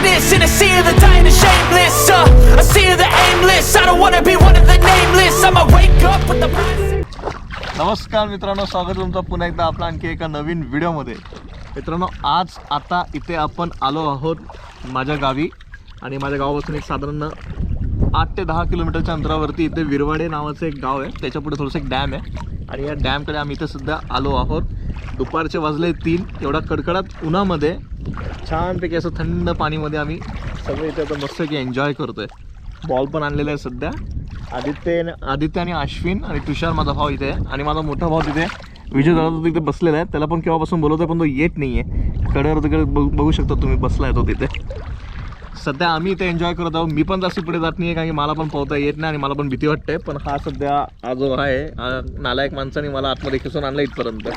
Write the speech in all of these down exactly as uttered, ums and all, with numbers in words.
greatness in a sea of the dying and shameless, uh, a sea of the aimless. I don't wanna be one of the nameless. I'ma wake up with the price. नमस्कार मित्रांनो, स्वागत तुमचं पुन्हा एकदा आपला आणखी एका नवीन व्हिडिओमध्ये. मित्रांनो, आज आता इथे आपण आलो आहोत माझ्या गावी आणि माझ्या गावापासून एक साधारण आठ ते दहा किलोमीटरच्या अंतरावरती इथे विरवाडे नावाचं एक गाव आहे. त्याच्यापुढे थोडंसं एक डॅम आहे आणि या डॅमकडे आम्ही इथे सध्या आलो आहोत. दुपारचे वाजले तीन. एवढा कडकडात उन्हामध्ये छानपैकी असं थंड पाणीमध्ये आम्ही सगळे इथे आता मस्त की एन्जॉय करतो आहे. बॉल पण आणलेला आहे सध्या. आदित्य आदित्य आणि अश्विन आणि तुषार माझा भाऊ इथे आहे आणि माझा मोठा भाऊ तिथे विजय दादा तिथे बसलेला आहे. त्याला पण केव्हापासून बोलवतो आहे पण तो येत नाही आहे. कडेवर तिकडे बघू शकता तुम्ही, बसला आहे तो तिथे. सध्या आम्ही इथे एन्जॉय करत आहोत. मी पण जास्त पुढे जात नाही आहे कारण की मला पण पोहता येत नाही आणि मला पण भीती वाटते. पण हा सध्या हा जो आहे नालायक माणसाने मला आतमध्ये खेचून आणलं इथपर्यंत.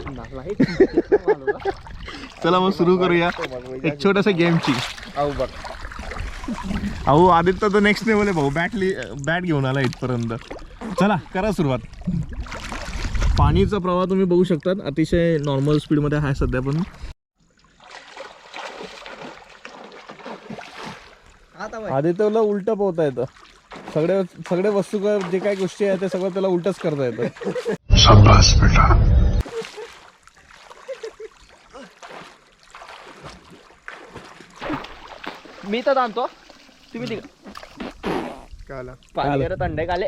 चला मग सुरू करूया एक छोट्याशा गेमची. अहो बघ, अहो आदित्य तर नेक्स्ट लेवल आहे भाऊ. बॅट बॅट घेऊन आला इथपर्यंत. चला करा सुरुवात. पाणीचा प्रवाह तुम्ही बघू शकतात, अतिशय नॉर्मल स्पीडमध्ये आहे सध्या. पण आदित्यला उलटं पोहता येतं. सगळे सगळे वस्तू जे काही गोष्टी आहेत ते सगळं त्याला उलटच करता येतं. शाबास बेटा. मी तर आणतो, तुम्ही तिकडे थंडे काले.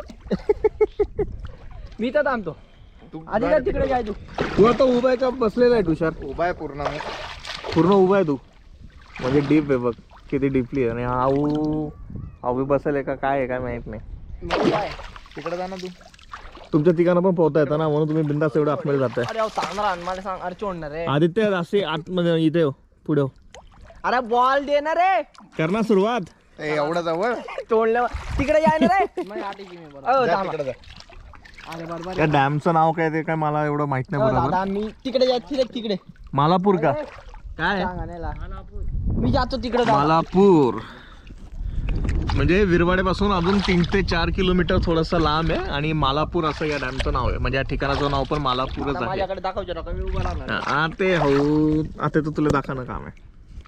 मी तर आणतो. आधी काय तिकडे काय तू तू आता उभा आहे का बसलेला आहे तुषार? उभा आहे पूर्ण. पूर्ण उभा आहे तू. म्हणजे डीप आहे बघ किती डीपली आहे. आणि आऊ आऊ बसेल आहे का काय आहे काय माहित नाही. तिकडे जा ना तू. तुमच्या ठिकाणं पण पोहता येतं ना, म्हणून तुम्ही बिंदास एवढं आतमध्ये जाताय. अरे चांगला मला सांग. अरे चोडणार रे आदित्य असे आतमध्ये इथे पुढे हो. अरे बॉल दे ना रे. करणार सुरुवात. एवढं जवळ तोडल्या तिकडे जाय ना रे. त्या डॅमचं नाव काय ते काय मला एवढं माहित नाही बरोबर. मी तिकडे जायचं तिकडे. मालापूर का काय? मी जातो तिकडे. मालापूर म्हणजे विरवाड्यापासून अजून तीन ते चार किलोमीटर थोडंसं लांब आहे आणि मालापूर असं या डॅमचं नाव आहे. म्हणजे या ठिकाणाचं नाव पण मालापूरच आहे. माझ्याकडे दाखवतो नका, मी उभा राहणार. हा ते हो, आता तर तुला दाखवणं काम आहे.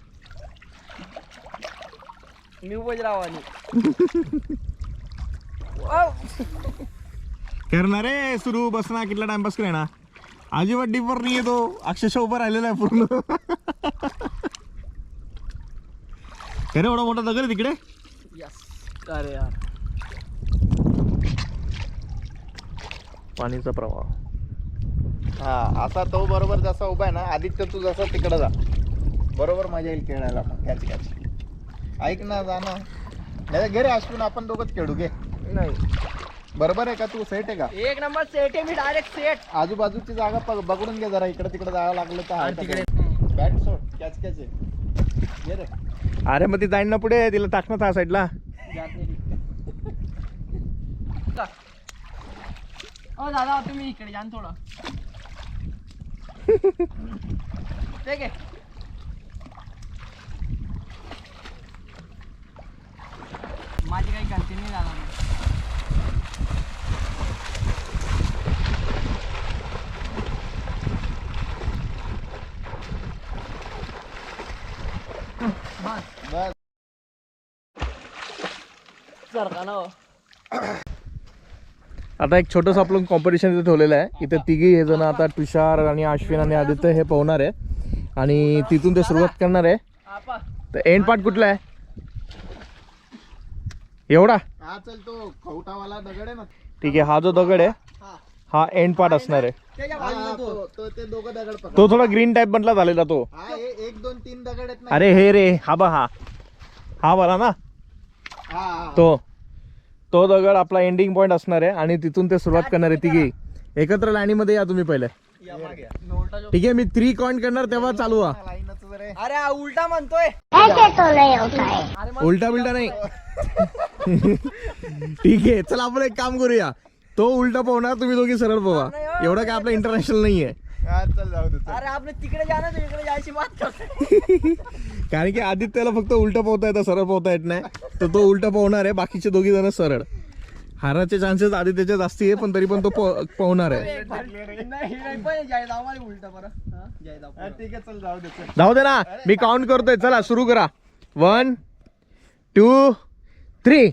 मी उभंच राहावं. करणार रे सुरू. बस ना, कितला टाइमपास करे ना. अजिबात डीपवर नाही येतो. अक्षरशः उभं राहिलेला आहे पूर्ण. अरे एवढा मोठा दगड तिकडे. अरे यार, पाणीचा प्रवाह. हा असा तो बरोबर जसा उभा आहे ना. आदित्य तू जसा तिकडे जा, बरोबर मजा येईल खेळायला. मग कॅच कॅच ऐक ना, जा ना. नाही घे रे अश्विन, आपण दोघंच खेळू. घे. नाही बरोबर आहे का? तू सेट आहे का? एक नंबर सेट आहे मी. Direct set. आजूबाजूची जागा बघून घे जरा. इकडे तिकडे जावं लागलं तर तिकडे बॅट सोड. कॅच कॅच आहे. घे रे. अरे मग ती जाईन ना पुढे. तिला टाकणार त्या साईडला. ओ दादा तुम्ही इकडे जा थोडं. ठीक आहे. माझी काही गलती नाही झाला. बस आता एक छोटंसं आपलं कॉम्पिटिशन इथे ठेवलेलं आहे. इथे तिघी हे जण आता तुषार आणि अश्विन आणि आदित्य हे पोहणार आहे आणि तिथून ते सुरुवात करणार आहे. तर एंड पार्ट कुठला आहे? एवढा. हा चल, तो खवटावाला दगड आहे ना. ठीक आहे, हा जो दगड आहे हा एंड पार्ट असणार आहे. तो ते दोघं दगड पकड. तो थोडा ग्रीन टाइप मधला झालेला तो. हा एक दोन तीन दगड आहेत ना. अरे हे रे हा बा, हा हा वाला ना. हा तो तो दगड आपला एंडिंग पॉइंट असणार आहे आणि तिथून ते सुरुवात करणार आहे. तिघी एकत्र लाईनीमध्ये या तुम्ही पहिले. ठीक आहे, मी थ्री काउंट करणार तेव्हा चालू व्हा. अरे उलटा म्हणतोय. उलटा बिलटा नाही. ठीक आहे, चला आपण एक काम करूया. तो उलटा पोहणार, तुम्ही दोघी सरळ पोहा. एवढं काय आपलं इंटरनॅशनल नाहीये. चल जाऊ दे. अरे आपण तिकडे जा ना, तिकडे जायची बात करतोय. कारण की आदित्यला फक्त उलटा पोहता येतं, सरळ पोहता येत नाही. तर तो उलटा पोहणार आहे, बाकीचे दोघी जण सरळ. हाराचे चान्सेस आदित्यचे जास्ती आहे, पण तरी पण तो पोहणार आहे. जाऊ दे ना, मी काउंट करतोय. चला सुरू करा. One two three.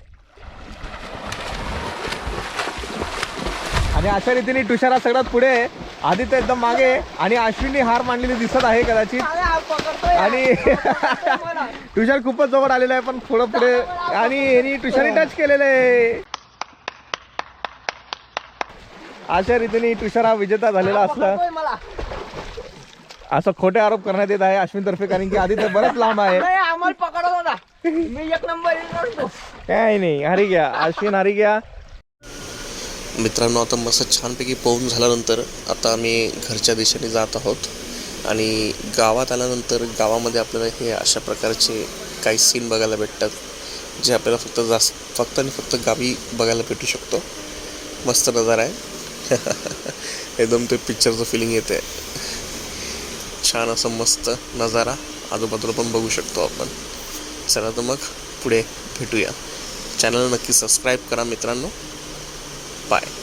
आणि अशा रीतीने तुषार हा सगळ्यात पुढे आहे, आदित्य एकदम मागे आहे आणि अश्विनी हार मांडलेली दिसत आहे कदाचित. अरे हा पकडतोय आणि मला. तुषार खूपच जवळ आलेला आहे पण थोडं पुढे आणि यांनी तुषारने टच केलेलं आहे. अशा रीतीने तुषार हा विजेता झालेला असला पकडतोय मला. असं खोटे आरोप करण्यात येत आहे अश्विन तर्फे, कारण की आदित्य बरंच लांब आहे. नाही आम्हाला पकडत होता, मी एक नंबर करतो. काय नाही, हारी गया अश्विन, हारी गया. मित्रांनो, आता मस्त छानपैकी पोहून झाल्यानंतर आता आम्ही घरच्या दिशेने जात आहोत. आणि गावात आल्यानंतर गावामध्ये आपल्याला हे अशा प्रकारचे काही सीन बघायला भेटतात, जे आपल्याला फक्त जास्त फक्त आणि फक्त गावी बघायला भेटू शकतो. मस्त नजारा आहे. एकदम ते पिक्चरचं फिलिंग येते. छान असं मस्त नजारा आजूबाजूला पण बघू शकतो आपण. चला तर मग पुढे भेटूया. चॅनल नक्की सबस्क्राईब करा मित्रांनो. बाय.